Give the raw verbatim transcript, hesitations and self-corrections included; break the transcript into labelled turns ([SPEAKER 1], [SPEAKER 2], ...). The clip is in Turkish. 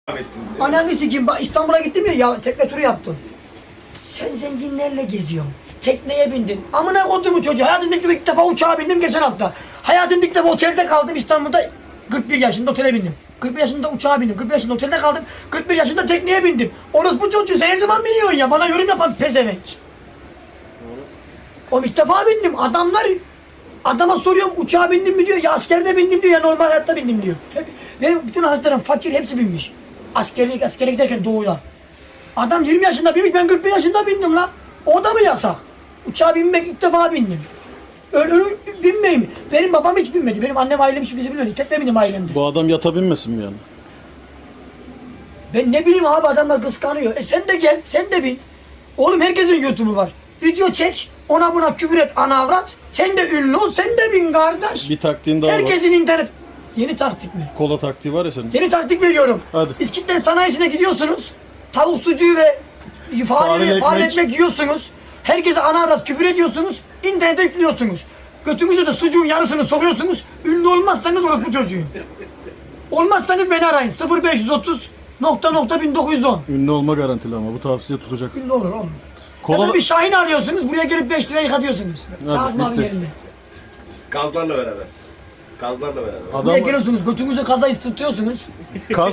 [SPEAKER 1] Ananı sikeyim, bak İstanbul'a gittim ya, ya tekne turu yaptım. Sen zenginlerle geziyorsun. Tekneye bindin. Amına koyduğumu çocuğu. Hayatımda ilk, ilk defa uçağa bindim geçen hafta. Hayatımda ilk defa otelde kaldım İstanbul'da. kırk bir yaşında otele bindim. kırk bir yaşında uçağa bindim. kırk bir yaşında otelde kaldım. kırk bir yaşında tekneye bindim. Orası bu çocuğu sen her zaman biliyorsun ya. Bana yorum yapan pezevenk. O ilk defa bindim. Adamlar adama soruyorum uçağa bindim mi diyor. Ya askerde bindim diyor ya normal hayatta bindim diyor. Hep, benim bütün arkadaşlarım fakir hepsi binmiş. Askerlik askere giderken doğuya. Adam yirmi yaşında binmiş, ben kırk bir yaşında bindim lan. O da mı yasak? Uçağa binmek ilk defa bindim. Öyle, öyle binmeyeyim. Benim babam hiç binmedi. Benim annem ailem hiç bizi bilmiyordu. Tek benim ailemdi.
[SPEAKER 2] Bu adam yata binmesin mi yani?
[SPEAKER 1] Ben ne bileyim abi, adamlar kıskanıyor. E sen de gel, sen de bin. Oğlum herkesin YouTube'u var. Video çek, ona buna küfür et, ana avrat. Sen de ünlü ol, sen de bin kardeş.
[SPEAKER 2] Bir taktiğin daha var.
[SPEAKER 1] Herkesin internet. Yeni taktik mi?
[SPEAKER 2] Kola taktiği var ya senin.
[SPEAKER 1] Yeni taktik veriyorum.
[SPEAKER 2] Hadi.
[SPEAKER 1] İskitler sanayisine gidiyorsunuz. Tavuk sucuğu ve
[SPEAKER 2] Fareli
[SPEAKER 1] fare,
[SPEAKER 2] ekmek.
[SPEAKER 1] fare ekmek yiyorsunuz. Herkese ana avrat küfür ediyorsunuz. İnternete yüklüyorsunuz. Götünüze de sucuğun yarısını sokuyorsunuz. Ünlü olmazsanız orospu çocuğu. Olmazsanız beni arayın. sıfır beş otuz nokta nokta bin dokuz yüz on.
[SPEAKER 2] Ünlü olma garantili ama bu tavsiye tutacak.
[SPEAKER 1] Ünlü olur oğlum.
[SPEAKER 2] Kola-
[SPEAKER 1] Ya da bir Şahin arıyorsunuz. Buraya gelip beş liraya yıkatıyorsunuz.
[SPEAKER 2] Hadi,
[SPEAKER 1] Kazım abi
[SPEAKER 2] bitti.
[SPEAKER 1] yerinde.
[SPEAKER 3] Gazlarla beraber. Gazlarla beraber.
[SPEAKER 1] Buraya
[SPEAKER 2] Adam
[SPEAKER 1] geliyorsunuz. Götünüze kaza ısıtıyorsunuz.
[SPEAKER 2] kas